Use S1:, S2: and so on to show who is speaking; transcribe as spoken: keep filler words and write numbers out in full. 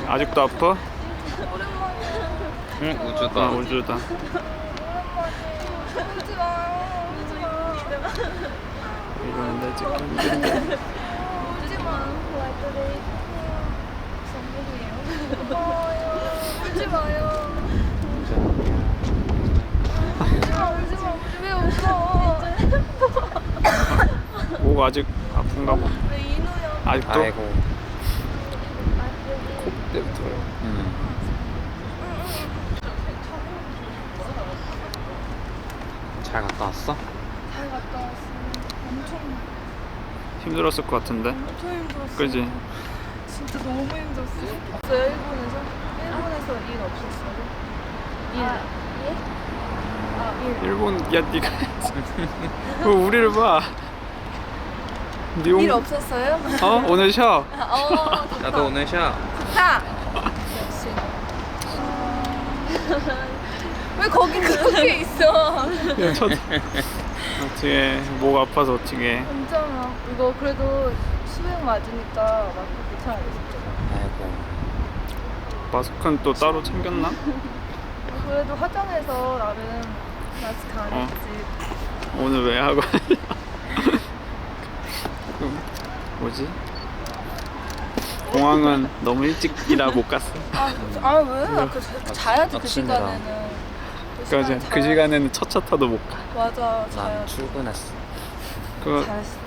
S1: 아직도 아파?
S2: 응, 우주다.
S1: 아, 우주다.
S3: 오지 마요. 오지 마.
S1: 이거는 내 찍기 힘든데.
S3: 오지 마. 고마워요. 울지 마요. 울지 마, 울지 마. 왜 웃어?
S1: 목 아직 아픈가 봐.
S3: 왜 이누야?
S1: 아직도?
S2: 아이고.
S1: 코 때부터요.
S2: 응. 잘 갔다 왔어?
S3: 잘 갔다 왔어. 엄청
S1: 힘들었을 것 같은데.
S3: 엄청 힘들었어.
S1: 그지?
S3: 진짜 너무 힘들었어. 일본에서 일본에서 일 없었어요? 일. 예? 아, 일.
S1: 일본, 야, 니가. 왜 우리를 봐? 니 온-
S3: 일 없었어요?
S1: 어? 오늘 쉬어.
S3: 어, 좋다.
S2: 나도 오늘 쉬어.
S3: 좋다. 역시. 왜 거기 그렇게 있어?
S1: 야, 저 어떻게 목 아파서 어떻게?
S3: 괜찮아. 이거 그래도 수행 맞으니까 마스크 괜찮아졌잖아.
S2: 아이고.
S1: 마스크는 또 따로 챙겼나?
S3: 그래도 화장해서 나름 마스크 안
S1: 어.
S3: 했지.
S1: 오늘 왜 하고? 그 뭐지? 공항은 너무 일찍이라 못 갔어.
S3: 아, 아 왜? 나 그, 자야지 그
S2: 아침이라.
S3: 시간에는.
S1: 그러니까 이제 그
S3: 자야-
S1: 시간에는 첫차 타도 못 가.
S3: 맞아,
S2: 난
S3: 자야지.
S2: 출근했어.
S1: 그거
S3: 잘했어.